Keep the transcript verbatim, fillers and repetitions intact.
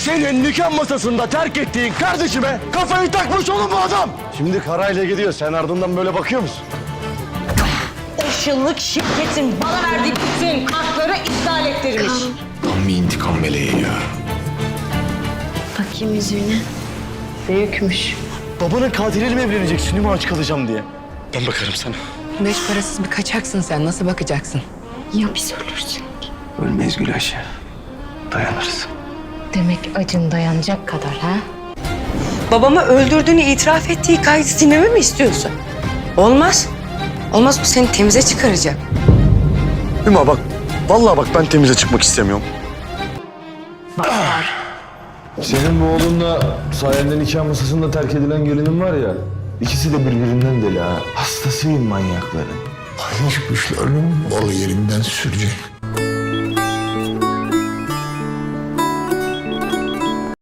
Senin nikah masasında terk ettiğin kardeşime kafayı takmış oğlum bu adam. Şimdi karayla gidiyor. Sen ardından böyle bakıyor musun? Beş yıllık şirketin bana verdiği bütün hakları iptal ettirmiş. Tam bir intikam meleği ya. Bakayım yüzüğüne. Büyükmüş. Babanın katiliyle mi evleneceksin değil mi aç kalacağım diye? Ben bakarım sana. Beş parasız bir kaçaksın sen. Nasıl bakacaksın? Ya biz ölürsün? Ölmeyiz Gülayşe. Dayanırız. Demek acın dayanacak kadar ha? Babamı öldürdüğünü itiraf ettiği kaydı silmemi mi istiyorsun? Olmaz. Olmaz, bu seni temize çıkaracak. Hüma bak. Vallahi bak ben temize çıkmak istemiyorum. Senin bu oğlunla sayende nikah masasında terk edilen gelinin var ya, ikisi de birbirinden deli ha. Hastasıyım manyakların. Hangi kuşların balı yerinden sürecek?